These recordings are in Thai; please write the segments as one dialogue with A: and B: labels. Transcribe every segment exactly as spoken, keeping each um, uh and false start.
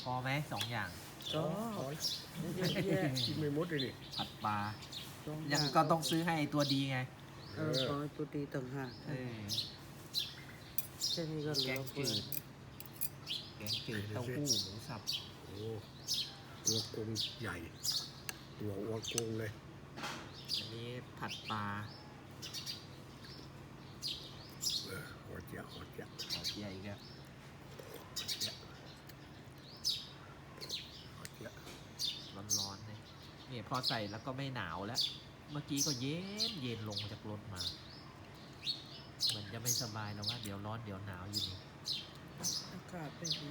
A: อไหมสองอย่าง
B: ก็
C: ขอ
B: เยอะแยะ
C: กินไม่หมดเลยนี่
A: ผัดปลา
B: สอ
A: ยัง
B: อา
A: ก็ต้องซื้อให้ตัวดีไง
B: เออของไอ้ตัวดีต่างหาก
A: เออ
B: แค่นี้ก็เหลื
A: แก
B: อง เฟื
A: จื
B: อ
A: ด แกงจืดเต้าหู้หมูสับ
C: โอ้ตัวกงใหญ่ ตัวอ้วนกงเลย
A: อันนี้ผัดปลา
C: เออหัวเจี๊ยบหัวเจี๊ยบ
A: ขอเจียอีกแล้ว
C: หัวเจี๊ยบ
A: ร้อนๆเลยนี่พอใส่แล้วก็ไม่หนาวแล้ว เมื่อกี้ก็เย็นเย็นลงมาจากรถมา เหมือนจะไม่สบายแล้วว่าเดี๋ยวร้อนเดี๋ยวหนาวอยู่นี่
B: อากาศไม่ดี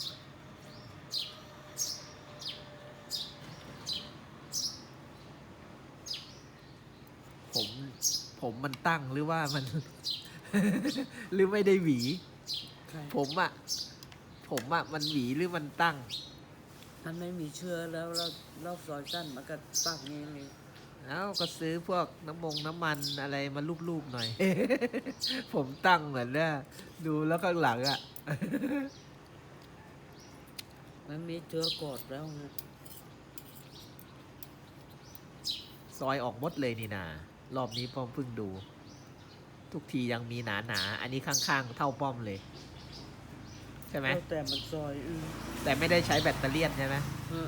A: ผมผมมันตั้งหรือว่ามัน หรือไม่ได้หวี
B: ใคร
A: ผมอะผมอะมันหวีหรือมันตั้ง
B: มันไม่มีเชื้อแล้วแล้วรอบซอยสั้นมันก็ปากนี้เลย
A: แล้วก็ซื้อพวกน้ำมงน้ำมันอะไรมาลูบๆหน่อย ผมตั้งเหมือนเนี่ยดูแล้วข้างหลังอะ
B: มันมีเชื้อกอดแล้วนะ
A: ซอยออกหมดเลยนี่นารอบนี้ป้อมเพิ่งดู ทุกทียังมีหนาหนาๆอันนี้ข้างๆ เท่าป้อมเลย ใช่ไหม
B: แล้วแต่มันซอยอือ
A: แต่ไม่ได้ใช้แบตเตอรี่ยนใช่ไหม
B: เออ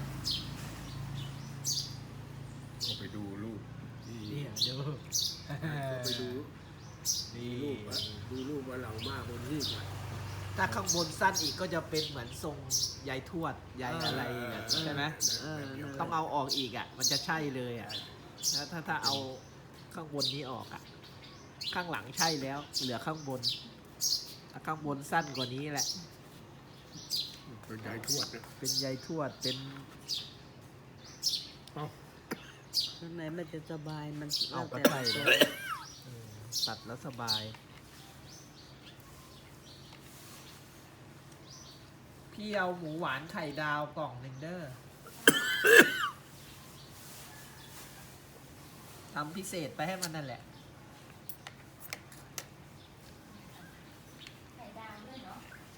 C: ก็ไปดูรูปที่
A: นี่ดู
C: ก็ไปดู
A: นี่
C: รูปอะดูรูปว่าเหล่ามากบนที่ก่อน
A: ถ้าข้างบนสั้นอีกก็จะเป็นเหมือนทรงยายทวดยายอะไรอะใช่ไหม
B: เออนั่นแหละ
A: ต้องเอาออกอีกอ่ะ มันจะใช่เลยอ่ะถ้าถ้าถ้าเอาข้างบนนี้ออกอ่ะ ข้างหลังใช่แล้ว เหลือข้างบนถ้าข้างบนสั้นกว่านี้แหละ
C: เป็นยายทวดนะ
A: เป็นยายทวดเป็น
C: เอ้า
B: ข้างในมันจะสบายมัน
A: เอากระ
B: แล้ว
A: ไต
B: แต่
A: เล
B: มัน
A: ยเออตัดแล้วสบาย พี่เอาหมูหวานไข่ดาวกล่องหนึ่งเด้อ ทำพิเศษไปให้มันนั่นแหละ
D: ไข่ดาวด้วยเนาะ
A: ใช่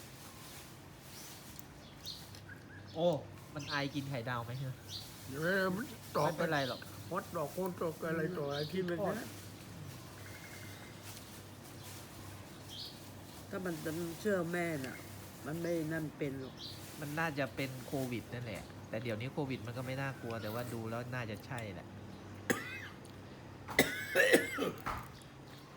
A: โอ้ มันไอกินไข่ดาวไหมเนอะ
C: เออมันตอบ
A: ไม่เป็นไรหรอก
C: ฮอตดอกโคนตกอะไรต่ออะไรที่มันเนี่ย
B: ถ้ามันจะเชื่อแม่น่ะ มันไม่นั่นเป็นหรอก
A: มันน่าจะเป็นโควิดนั่นแหละ แต่เดี๋ยวนี้โควิดมันก็ไม่น่ากลัว แต่ว่าดูแล้วน่าจะใช่แหละ